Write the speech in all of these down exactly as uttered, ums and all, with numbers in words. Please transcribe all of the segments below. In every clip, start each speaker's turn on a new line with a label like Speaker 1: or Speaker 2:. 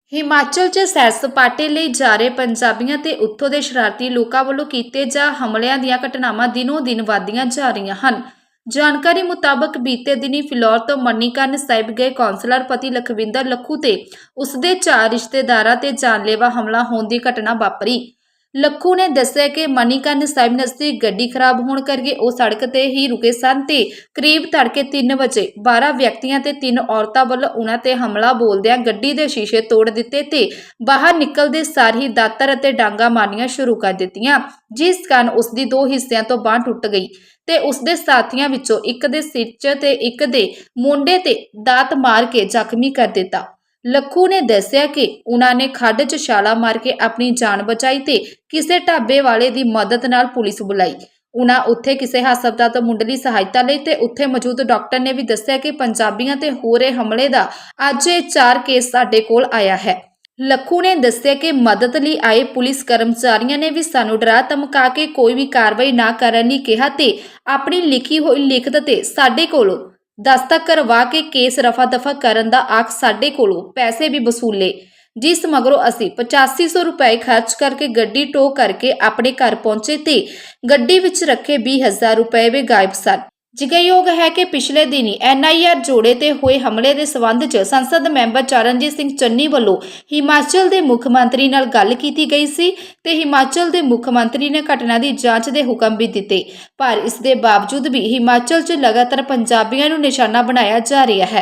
Speaker 1: ਹਿਮਾਚਲ 'ਚ ਸੈਰ ਸਪਾਟੇ ਲਈ ਜਾ ਰਹੇ ਪੰਜਾਬੀਆਂ ਤੇ ਉੱਥੋਂ ਦੇ ਸ਼ਰਾਰਤੀ ਲੋਕਾਂ ਵੱਲੋਂ ਕੀਤੇ ਜਾ ਹਮਲਿਆਂ ਦੀਆਂ ਘਟਨਾਵਾਂ ਦਿਨੋਂ ਦਿਨ ਵਧਦੀਆਂ ਜਾ ਰਹੀਆਂ ਹਨ। ਜਾਣਕਾਰੀ ਮੁਤਾਬਕ ਬੀਤੇ ਦਿਨੀ ਫਿਲੌਰ ਤੋਂ ਮਨੀਕਰਨ ਸਾਹਿਬ ਗਏ ਕੌਂਸਲਰ ਪਤੀ ਲਖਵਿੰਦਰ ਲੱਖੂ ਤੇ ਉਸਦੇ ਚਾਰ ਰਿਸ਼ਤੇਦਾਰਾਂ ਤੇ ਜਾਨਲੇਵਾ ਹਮਲਾ ਹੋਣ ਦੀ ਘਟਨਾ ਵਾਪਰੀ। ਲੱਖੂ ਨੇ ਦੱਸਿਆ ਕਿ ਮਨੀਕਰਨ ਸਾਹਿਬ ਨਜ਼ਦੀਕ ਗੱਡੀ ਖਰਾਬ ਹੋਣ ਕਰਕੇ ਉਹ ਸੜਕ ਤੇ ਹੀ ਰੁਕੇ ਸਨ ਤੇ ਕਰੀਬ ਤੜਕੇ ਤਿੰਨ ਵਜੇ ਬਾਰਾਂ ਵਿਅਕਤੀਆਂ ਤੇ ਤਿੰਨ ਔਰਤਾਂ ਵੱਲੋਂ ਉਹਨਾਂ ਤੇ ਹਮਲਾ ਬੋਲਦਿਆਂ ਗੱਡੀ ਦੇ ਸ਼ੀਸ਼ੇ ਤੋੜ ਦਿੱਤੇ ਤੇ ਬਾਹਰ ਨਿਕਲਦੇ ਸਾਰ ਹੀ ਦਾਤਰ ਅਤੇ ਡਾਂਗਾ ਮਾਰਨੀਆਂ ਸ਼ੁਰੂ ਕਰ ਦਿੱਤੀਆਂ, ਜਿਸ ਕਾਰਨ ਉਸ ਦੀ ਦੋ ਹਿੱਸਿਆਂ ਤੋਂ ਬਾਂਹ ਟੁੱਟ ਗਈ ਤੇ ਉਸ ਦੇ ਸਾਥੀਆਂ ਵਿੱਚੋਂ ਇੱਕ ਦੇ ਸਿਰ 'ਚ ਤੇ ਇੱਕ ਦੇ ਮੋਢੇ ਤੇ ਦਾਤ ਮਾਰ ਕੇ ਜ਼ਖਮੀ ਕਰ ਦਿੱਤਾ। ਲੱਖੂ ਨੇ ਦੱਸਿਆ ਕਿ ਉਹਨਾਂ ਨੇ ਖੱਡ 'ਚ ਛਾਲਾ ਮਾਰ ਕੇ ਆਪਣੀ ਜਾਨ ਬਚਾਈ ਤੇ ਕਿਸੇ ਢਾਬੇ ਵਾਲੇ ਦੀ ਮਦਦ ਨਾਲ ਪੁਲਿਸ ਬੁਲਾਈ। ਉਹਨਾਂ ਉੱਥੇ ਕਿਸੇ ਹਸਪਤਾਲ ਤੋਂ ਮੁੱਢਲੀ ਸਹਾਇਤਾ ਲਈ ਤੇ ਉੱਥੇ ਮੌਜੂਦ ਡਾਕਟਰ ਨੇ ਵੀ ਦੱਸਿਆ ਕਿ ਪੰਜਾਬੀਆਂ ਤੇ ਹੋ ਰਹੇ ਹਮਲੇ ਦਾ ਅੱਜ ਇਹ ਚਾਰ ਕੇਸ ਸਾਡੇ ਕੋਲ ਆਇਆ ਹੈ। ਲੱਖੂ ਨੇ ਦੱਸਿਆ ਕਿ ਮਦਦ ਲਈ ਆਏ ਪੁਲਿਸ ਕਰਮਚਾਰੀਆਂ ਨੇ ਵੀ ਸਾਨੂੰ ਡਰਾ ਧਮਕਾ ਕੇ ਕੋਈ ਵੀ ਕਾਰਵਾਈ ਨਾ ਕਰਨ ਲਈ ਕਿਹਾ ਤੇ ਆਪਣੀ ਲਿਖੀ ਹੋਈ ਲਿਖਤ ਤੇ ਸਾਡੇ ਕੋਲੋਂ ਦਸਤਖਤ ਕਰਵਾ ਕੇ ਕੇਸ ਰਫਾ ਦਫਾ ਕਰਨ ਦਾ ਆਖ ਸਾਡੇ ਕੋਲੋਂ ਪੈਸੇ ਵੀ ਵਸੂਲੇ, ਜਿਸ ਮਗਰੋਂ ਅਸੀਂ ਪਚਾਸੀ ਸੌ ਰੁਪਏ ਖਰਚ ਕਰਕੇ ਗੱਡੀ ਟੋ ਕਰਕੇ ਆਪਣੇ ਘਰ ਪਹੁੰਚੇ ਤੇ ਗੱਡੀ ਵਿੱਚ ਰੱਖੇ ਵੀਹ ਹਜ਼ਾਰ ਰੁਪਏ ਵੀ ਗਾਇਬ ਸਨ। ਜ਼ਿਕਰਯੋਗ ਹੈ ਕਿ ਪਿਛਲੇ ਦਿਨੀ ਐਨ ਆਈ ਆਰ ਜੋੜੇ ਤੇ ਹੋਏ ਹਮਲੇ ਦੇ ਸਬੰਧ 'ਚ ਸੰਸਦ ਮੈਂਬਰ ਚਰਨਜੀਤ ਸਿੰਘ ਚੰਨੀ ਵੱਲੋਂ ਹਿਮਾਚਲ ਦੇ ਮੁੱਖ ਮੰਤਰੀ ਨਾਲ ਗੱਲ ਕੀਤੀ ਗਈ ਸੀ ਤੇ ਹਿਮਾਚਲ ਦੇ ਮੁੱਖ ਮੰਤਰੀ ਨੇ ਘਟਨਾ ਦੀ ਜਾਂਚ ਦੇ ਹੁਕਮ ਵੀ ਦਿੱਤੇ, ਪਰ ਇਸ ਦੇ ਬਾਵਜੂਦ ਵੀ ਹਿਮਾਚਲ 'ਚ ਲਗਾਤਾਰ ਪੰਜਾਬੀਆਂ ਨੂੰ ਨਿਸ਼ਾਨਾ ਬਣਾਇਆ ਜਾ ਰਿਹਾ ਹੈ।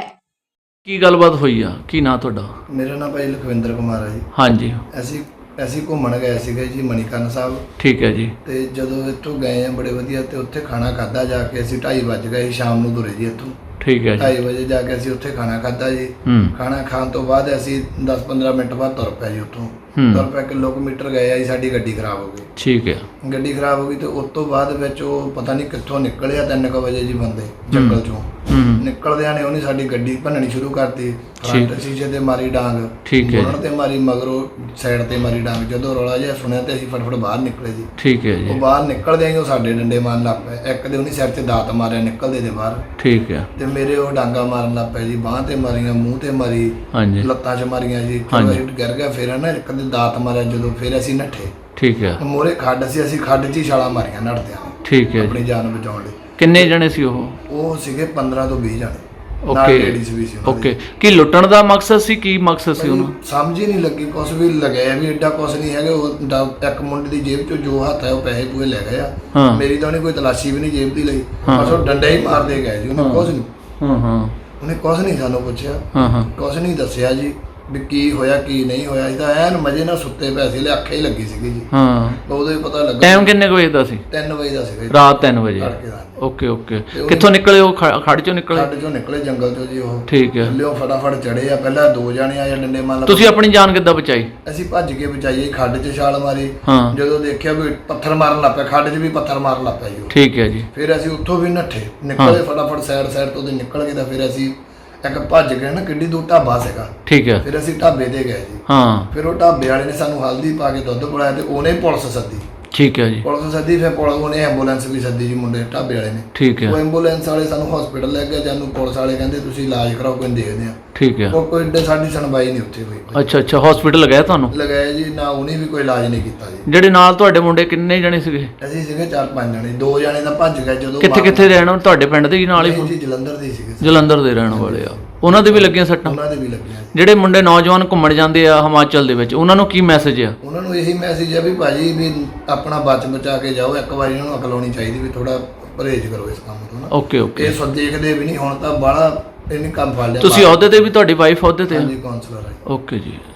Speaker 2: ਕੀ ਗੱਲਬਾਤ ਹੋਈ ਆ? ਕੀ ਨਾਂ ਤੁਹਾਡਾ?
Speaker 3: ਮੇਰਾ ਨਾਮ ਭਾਈ ਲਖਵਿੰਦਰ ਕੁਮਾਰ ਹੈ ਜੀ।
Speaker 2: ਹਾਂਜੀ।
Speaker 3: ਅਸੀਂ ਅਸੀਂ ਘੁੰਮਣ ਗਏ ਸੀਗੇ ਜੀ ਮਨੀਕਰਨ ਸਾਹਿਬ।
Speaker 2: ਠੀਕ ਹੈ ਜੀ।
Speaker 3: ਤੇ ਜਦੋਂ ਇੱਥੋਂ ਗਏ ਆ ਬੜੇ ਵਧੀਆ ਤੇ ਉੱਥੇ ਖਾਣਾ ਖਾਧਾ ਜਾ ਕੇ ਅਸੀਂ ਢਾਈ ਵੱਜ ਗਏ ਸ਼ਾਮ ਨੂੰ ਤੁਰੇ ਜੀ ਇੱਥੋਂ।
Speaker 2: ਠੀਕ ਹੈ ਜੀ।
Speaker 3: ਢਾਈ ਵਜੇ ਜਾ ਕੇ ਅਸੀਂ ਉੱਥੇ ਖਾਣਾ ਖਾਧਾ ਜੀ। ਖਾਣਾ ਖਾਣ ਤੋਂ ਬਾਅਦ ਅਸੀਂ ਦਸ ਪੰਦਰਾਂ ਮਿੰਟ ਬਾਅਦ ਤੁਰ ਪਏ ਜੀ ਉੱਥੋਂ। ਤੁਰ ਪਏ ਕਿਲੋਮੀਟਰ ਗਏ ਆ ਜੀ, ਸਾਡੀ ਗੱਡੀ ਖਰਾਬ ਹੋ ਗਈ।
Speaker 2: ਠੀਕ ਹੈ। ਗੱਡੀ
Speaker 3: ਖਰਾਬ ਹੋ ਗਈ ਤੇ ਉਸ ਤੋਂ ਬਾਅਦ ਵਿੱਚ ਉਹ ਪਤਾ ਨਹੀਂ ਕਿੱਥੋਂ ਨਿਕਲਿਆ ਤਿੰਨ ਕੁ ਵਜੇ ਜੀ ਬੰਦੇ ਜੰਗਲ ਚੋਂ ਨਿਕਲਦਿਆਂ ਨੇ ਉਹਨੇ ਸਾਡੀ ਗੱਡੀ ਭੰਨਣੀ ਸ਼ੁਰੂ ਕਰਤੀ। ਫਰੰਟ ਸ਼ੀਸ਼ੇ ਤੇ ਮਾਰੀ ਡਾਂਗ, ਬੋਨਟ ਤੇ ਮਾਰੀ, ਮਗਰੋਂ ਸਾਈਡ ਤੇ ਮਾਰੀ ਡਾਂਗ। ਜਦੋਂ ਰੌਲਾ ਜਿਹਾ ਸੁਣਿਆ ਤੇ ਅਸੀਂ ਫਟਫਟ ਬਾਹਰ ਨਿਕਲੇ ਜੀ। ਠੀਕ ਹੈ ਜੀ। ਉਹ ਬਾਹਰ ਨਿਕਲਦੇ ਹੀ ਉਹ ਸਾਡੇ ਡੰਡੇ ਮਾਰਨ ਲੱਗ ਪਏ। ਇੱਕ ਦੇ ਉਹਨੇ ਸਿਰ ਤੇ ਦਾਤ ਮਾਰਿਆ ਨਿਕਲਦੇ ਦੇ ਬਾਹਰ। ਠੀਕ ਹੈ। ਤੇ ਮੇਰੇ ਉਹ ਡਾਂਗਾ ਮਾਰਨ ਲੱਗ ਪਏ ਜੀ, ਬਾਂਹ ਤੇ ਮਾਰੀਆਂ, ਮੂੰਹ ਤੇ ਮਾਰੀ, ਲੱਤਾਂ 'ਚ ਮਾਰੀਆਂ ਜੀ। ਗਿਰ ਗਿਆ। ਫਿਰ ਨਾ ਇੱਕ ਦੇ ਦਾਤ ਮਾਰਿਆ ਜਦੋਂ, ਫਿਰ ਅਸੀਂ ਨੱਠੇ। ਠੀਕ ਹੈ। ਮੋਰੇ ਖੱਡ ਸੀ, ਅਸੀਂ ਖੱਡ 'ਚ ਹੀ ਛਾਲਾਂ ਮਾਰੀਆਂ ਨੱਠਦਿਆਂ। ਠੀਕ ਹੈ। ਆਪਣੀ ਜਾਨ ਬਚਾਉਣ ਲਈ। ਕਿੰਨੇ ਜਣੇ ਸੀ ਉਹ? ਉਹ ਸੀਗੇ ਪੰਦਰਾਂ ਤੋਂ ਵੀਹ ਜਣੇ। Okay okay. ਕੀ ਲੁੱਟਣ ਦਾ ਮਕਸਦ ਸੀ? ਕੀ ਮਕਸਦ ਸੀ ਉਹਨੂੰ? ਸਮਝ ਹੀ ਨਹੀਂ ਲੱਗੀ। ਕੁਛ ਵੀ ਲੱਗਿਆ ਵੀ ਏਡਾ ਕੁਛ ਨਹੀਂ ਹੈਗਾ। ਉਹ ਇੱਕ ਮੁੰਡੇ ਦੀ ਜੇਬ 'ਚੋਂ ਜੋ ਹੱਥ ਹੈ ਉਹ ਪੈਸੇ ਪੂਏ ਲੈ ਗਏ ਆ। ਮੇਰੀ ਤਾਂ ਉਹਨੇ ਕੋਈ ਤਲਾਸ਼ੀ ਵੀ ਨਹੀਂ ਜੇਬ ਦੀ ਲਈ, ਬਸ ਉਹ ਡੰਡੇ ਹੀ ਮਾਰਦੇ ਗਏ ਜੀ। ਉਹਨੇ ਕੁਛ ਨਹੀਂ ਹਾਂ ਹਾਂ ਉਹਨੇ ਕੁਛ ਨਹੀਂ ਸਾਨੂੰ ਪੁੱਛਿਆ, ਹਾਂ ਹਾਂ ਕੁਛ ਨਹੀਂ ਦੱਸਿਆ ਜੀ ਵੀ ਕੀ ਹੋਇਆ ਕੀ ਨਹੀਂ ਹੋਇਆ। ਅਸੀਂ ਤਾਂ ਐਨ ਮਜ਼ੇ ਨਾਲ ਸੁੱਤੇ ਪਏ ਸੀ, ਲੈ ਅੱਖੇ ਹੀ ਲੱਗੀ ਸੀਗੀ ਜੀ। ਹਾਂ। ਉਦੋਂ ਹੀ ਪਤਾ ਲੱਗਾ। ਟਾਈਮ ਕਿੰਨੇ ਵਜੇ ਦਾ ਸੀ? ਤਿੰਨ ਵਜੇ ਦਾ ਸੀਗਾ। ਰਾਤ ਤਿੰਨ ਵਜੇ। Okay okay. ਕਿੱਥੋਂ ਨਿਕਲੇ ਉਹ? ਖੱਡ ਚੋਂ ਨਿਕਲੇ? ਖੱਡ ਚੋਂ ਨਿਕਲੇ, ਜੰਗਲ ਚੋਂ ਜੀ ਉਹ। ਠੀਕ ਹੈ। ਲਿਓ ਫਟਾਫਟ ਚੜੇ ਆ। ਪਹਿਲਾਂ ਦੋ ਜਾਣੇ ਆਏ ਡੰਡੇ ਮਾਰ ਲਾ। ਤੁਸੀਂ ਆਪਣੀ ਜਾਨ ਕਿੱਦਾਂ ਬਚਾਈ? ਅਸੀਂ ਭੱਜ ਕੇ ਬਚਾਈ। ਖੱਡ 'ਚ ਛਾਲ ਮਾਰੀ। ਜਦੋਂ ਦੇਖਿਆ ਵੀ ਪੱਥਰ ਮਾਰਨ ਲੱਗ ਪਿਆ, ਖੱਡ 'ਚ ਵੀ ਪੱਥਰ ਮਾਰਨ ਲੱਗ ਪਿਆ ਜੀ। ਠੀਕ ਹੈ ਜੀ। ਫਿਰ ਅਸੀਂ ਉੱਥੋਂ ਵੀ ਨੱਠੇ, ਨਿਕਲੇ ਫਟਾਫਟ ਸਾਈਡ ਸਾਈਡ ਤੋਂ ਨਿਕਲ ਕੇ ਤਾਂ ਫਿਰ ਅਸੀਂ ਇੱਕ ਭੱਜ ਗਏ ਨਾ, ਕਿੱਡੀ ਦੂਰ ਢਾਬਾ ਸੀਗਾ। ਠੀਕ ਹੈ। ਫਿਰ ਅਸੀਂ ਢਾਬੇ ਤੇ ਗਏ ਜੀ। ਹਾਂ। ਫਿਰ ਉਹ ਢਾਬੇ ਵਾਲੇ ਨੇ ਸਾਨੂੰ ਹਲਦੀ ਪਾ ਕੇ ਦੁੱਧ ਪਿਲਾਇਆ ਤੇ ਉਹਨੇ ਪੁਲਿਸ ਸੱਦੀ। ਠੀਕ ਹੈ ਜੀ। ਪੁਲਿਸ ਸੱਦੀ, ਫਿਰ ਪੁਲਿਸ ਉਹਨੇ ਐਂਬੂਲੈਂਸ ਵੀ ਸੱਦੀ ਜੀ ਮੁੰਡੇ ਢਾਬੇ ਵਾਲੇ ਨੇ। ਠੀਕ ਹੈ। ਉਹ ਐਂਬੂਲੈਂਸ ਵਾਲੇ ਸਾਨੂੰ ਹਸਪੀਟਲ ਲੈ ਗਏ। ਜਾਨੂੰ ਪੁਲਿਸ ਵਾਲੇ ਕਹਿੰਦੇ ਤੁਸੀਂ ਇਲਾਜ ਕਰਾਓ, ਕੋਈ ਦੇਖਦੇ ਆ। ਠੀਕ ਹੈ। ਉਹ ਕੋਈ ਏਡੇ ਸਾਡੀ ਸੁਣਵਾਈ ਨਹੀਂ ਉੱਥੇ ਹੋਈ। ਅੱਛਾ ਅੱਛਾ। ਹਸਪੀਟਲ ਲਗਾਇਆ ਤੁਹਾਨੂੰ? ਲਗਾਇਆ ਜੀ। ਨਾ ਉਹਨੇ ਵੀ ਕੋਈ ਇਲਾਜ ਨਹੀਂ ਕੀਤਾ ਜੀ। ਜਿਹੜੇ ਨਾਲ ਤੁਹਾਡੇ ਮੁੰਡੇ ਕਿੰਨੇ ਜਣੇ ਸੀਗੇ? ਅਸੀਂ ਸੀਗੇ ਚਾਰ ਪੰਜ ਜਣੇ। ਦੋ ਜਣੇ ਤਾਂ ਭੱਜ ਗਏ ਜਦੋਂ। ਕਿੱਥੇ ਕਿੱਥੇ ਰਹਿਣ? ਤੁਹਾਡੇ ਪਿੰਡ ਦੇ ਨਾਲ ਹੀ? ਜੀ ਜਲੰਧਰ ਦੇ ਸੀਗੇ। ਜਲੰਧਰ ਦੇ ਰਹਿਣ ਵਾਲੇ ਆ। ਉਹਨਾਂ ਦੇ ਵੀ ਲੱਗੀਆਂ ਸੱਟਾਂ? ਉਹਨਾਂ ਦੇ ਵੀ ਲੱਗੀਆਂ। ਜਿਹੜੇ ਮੁੰਡੇ ਨੌਜਵਾਨ ਘੁੰਮਣ ਜਾਂਦੇ ਆ ਹਿਮਾਚਲ ਦੇ ਵਿੱਚ, ਉਹਨਾਂ ਨੂੰ ਕੀ ਮੈਸੇਜ ਆ? ਉਹਨਾਂ ਨੂੰ ਇਹੀ ਮੈਸੇਜ ਆ ਵੀ ਭਾਜੀ ਵੀ ਆਪਣਾ ਬਚ ਬਚਾ ਕੇ ਜਾਓ। ਇੱਕ ਵਾਰੀ ਉਹਨਾਂ ਨੂੰ ਅਕਲ ਆਉਣੀ ਚਾਹੀਦੀ ਵੀ ਥੋੜਾ ਪਰਹੇਜ਼ ਕਰੋ ਇਸ ਕੰਮ ਤੋਂ ਨਾ। Okay okay. ਇਹ ਸਭ ਦੇਖਦੇ ਵੀ ਨਹੀਂ ਹੁਣ ਤਾਂ ਬਾਹਲਾ ਇਹਨੇ ਕੰਮ ਫੜ ਲਿਆ। ਤੁਸੀਂ ਅਹੁਦੇ ਤੇ ਵੀ? ਤੁਹਾਡੀ ਵਾਈਫ ਅਹੁਦੇ ਤੇ? ਹਾਂਜੀ, ਕਾਉਂਸਲਰ ਹੈ। ਓਕੇ ਜੀ।